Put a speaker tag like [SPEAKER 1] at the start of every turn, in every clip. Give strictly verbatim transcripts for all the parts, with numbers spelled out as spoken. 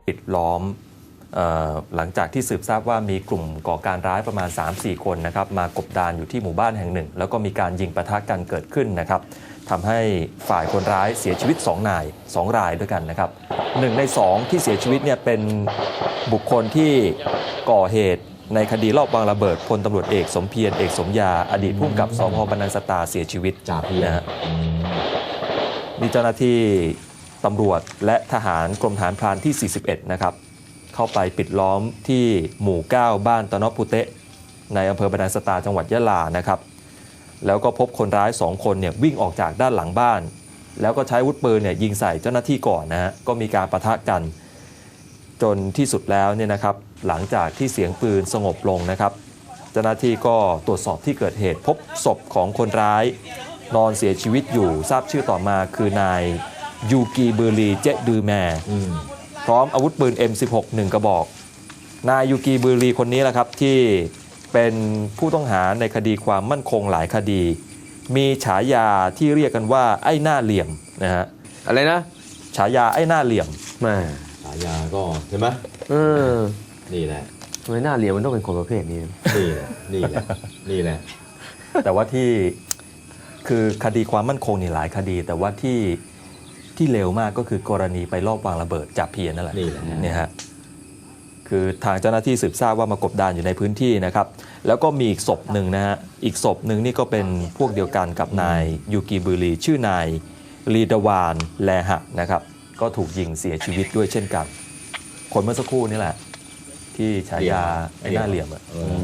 [SPEAKER 1] ปิดล้อมหลังจากที่สืบทราบว่ามีกลุ่มก่อการร้ายประมาณ สามสี่ คนนะครับมากบดานอยู่ที่หมู่บ้านแห่งหนึ่งแล้วก็มีการยิงปะทะกันเกิดขึ้นนะครับทำให้ฝ่ายคนร้ายเสียชีวิตสองนายสองรายด้วยกันนะครับหนึ่งในสองที่เสียชีวิตเนี่ยเป็นบุคคลที่ก่อเหตุในคดีลอบวางระเบิดพลตำรวจเอกสมเพียรเอกสมยาอดีตผู้กำกับสภ.บรรนังสตาเสียชีวิต
[SPEAKER 2] จ่าเพียร
[SPEAKER 1] นะฮะนี่เจ้าหน้าที่ตำรวจและทหารกรมฐานพรานที่สี่สิบเอ็ดนะครับเข้าไปปิดล้อมที่หมู่เก้าบ้านตะนอปุเตะในอำเภอบรรนังสตาจังหวัดยะลานะครับแล้วก็พบคนร้ายสองคนเนี่ยวิ่งออกจากด้านหลังบ้านแล้วก็ใช้อาวุธปืนเนี่ยยิงใส่เจ้าหน้าที่ก่อนนะฮะก็มีการปะทะกันจนที่สุดแล้วเนี่ยนะครับหลังจากที่เสียงปืนสงบลงนะครับเจ้าหน้าที่ก็ตรวจสอบที่เกิดเหตุพบศพของคนร้ายนอนเสียชีวิตอยู่ทราบชื่อต่อมาคือนายยูกีเบอร์ลีเจดือแมพร้อมอาวุธปืน เอ็ม สิบหก หนึ่ง กระบอกนายยูกีเบอร์ลีคนนี้แหละครับที่เป็นผู้ต้องหาในคดีความมั่นคงหลายคดีมีฉายาที่เรียกกันว่าไอ้หน้าเหลี่ยมนะฮะ
[SPEAKER 3] อะไรนะ
[SPEAKER 1] ฉายาไอ้หน้าเหลี่ยม
[SPEAKER 3] แม่
[SPEAKER 2] ฉายาก็เห็นไหม
[SPEAKER 3] เออ
[SPEAKER 2] นี่แหละ
[SPEAKER 3] ทำไมหน้าเหลี่ยมมันต้องเป็นคนประเภทนี้
[SPEAKER 2] นี่แหละนี่แหละนี่แหละ
[SPEAKER 1] แต่ว่าที่คือคดีความมั่นคงนี่หลายคดีแต่ว่าที่ที่เร็วมากก็คือกรณีไปลอบวางระเบิดจับเพียรนั่นแหละ
[SPEAKER 2] นี่แหละ
[SPEAKER 1] เนี่ยฮะคือทางเจ้าหน้าที่สืบทราบว่ามากบดานอยู่ในพื้นที่นะครับแล้วก็มีอีกศพหนึ่งนะฮะอีกศพหนึ่งนี่ก็เป็นพวกเดียวกันกับนายยูกีบุรีชื่อนายลีดาวานแลหะนะครับก็ถูกยิงเสียชีวิตด้วยเช่นกันคนเมื่อสักครู่นี่แหละที่ฉายาไอ้หน้าเหลี่ยมอ่ะ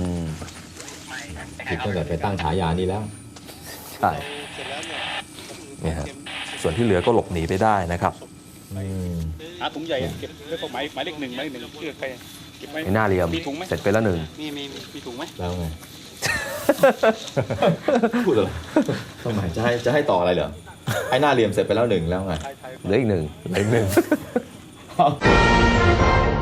[SPEAKER 2] ผิดตั้งแต่ไปตั้งฉายานี้แล้ว
[SPEAKER 1] ใช่เนี่ยฮะส่วนที่เหลือก็หลบหนีไปได้นะครับ
[SPEAKER 4] หาถุงใหญ่เก็บไว้พวกหมายหมายเลขหนึ่งหมายเลขหนึ่งเชื่อใครเก็บไว้
[SPEAKER 3] หน้าเหลี่ยม
[SPEAKER 4] มีถุงไหม
[SPEAKER 3] เสร็จไปแล้วหนึ่ง
[SPEAKER 4] มีมีมีถุงไหม
[SPEAKER 2] แล้วไงพูดเลยทำไมจะให้จะให้ต่ออะไรเหรอไอ้หน้าเหลี่ยมเสร็จไปแล้วหนึ่งแล้วไง
[SPEAKER 3] เหลืออีกหนึ่ง
[SPEAKER 1] เหลืออีกหนึ่ง